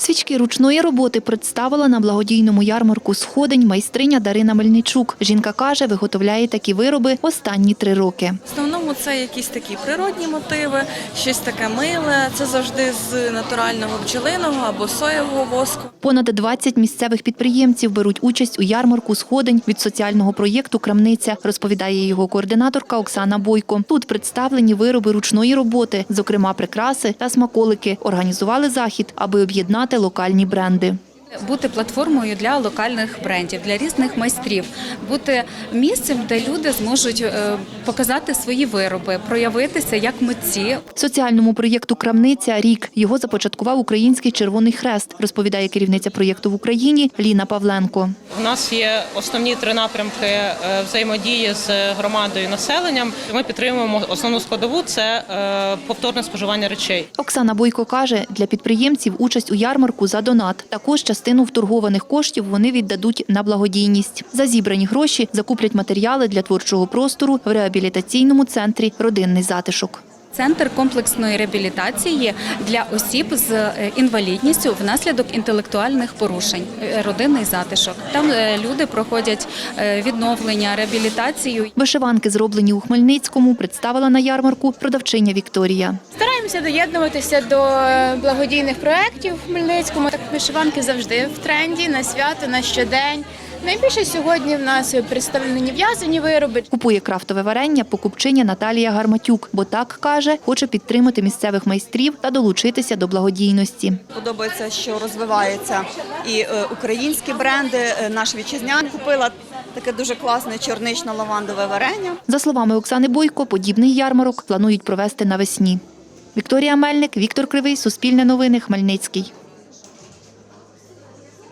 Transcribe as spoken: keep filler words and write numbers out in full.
Посвічки ручної роботи представила на благодійному ярмарку «Сходень» майстриня Дарина Мельничук. Жінка каже, виготовляє такі вироби останні три роки. В основному це якісь такі природні мотиви, щось таке миле. Це завжди з натурального бджолиного або соєвого воску. Понад двадцять місцевих підприємців беруть участь у ярмарку «Сходень» від соціального проєкту «Крамниця», розповідає його координаторка Оксана Бойко. Тут представлені вироби ручної роботи, зокрема прикраси та смаколики. Організували захід, аби об'єднати локальні бренди. Бути платформою для локальних брендів, для різних майстрів, бути місцем, де люди зможуть показати свої вироби, проявитися як митці. Соціальному проєкту «Крамниця» рік. Його започаткував Український Червоний Хрест, розповідає керівниця проєкту в Україні Ліна Павленко. У нас є основні три напрямки взаємодії з громадою і населенням. Ми підтримуємо основну складову – це повторне споживання речей. Оксана Бойко каже, для підприємців участь у ярмарку за донат. Також частину вторгованих коштів вони віддадуть на благодійність. За зібрані гроші закуплять матеріали для творчого простору в реабілітаційному центрі «Родинний затишок». Центр комплексної реабілітації для осіб з інвалідністю внаслідок інтелектуальних порушень, родинний затишок. Там люди проходять відновлення, реабілітацію. Вишиванки, зроблені у Хмельницькому, представила на ярмарку продавчиня Вікторія. Стараємося доєднуватися до благодійних проєктів в Хмельницькому. Так, вишиванки завжди в тренді, на свято, на щодень. Найбільше сьогодні в нас представлені в'язані вироби. Купує крафтове варення покупчиня Наталія Гарматюк, бо так, каже, хоче підтримати місцевих майстрів та долучитися до благодійності. Подобається, що розвиваються і українські бренди, наш вітчизняний. Купила таке дуже класне чорнично-лавандове варення. За словами Оксани Бойко, подібний ярмарок планують провести навесні. Вікторія Мельник, Віктор Кривий, Суспільне новини, Хмельницький.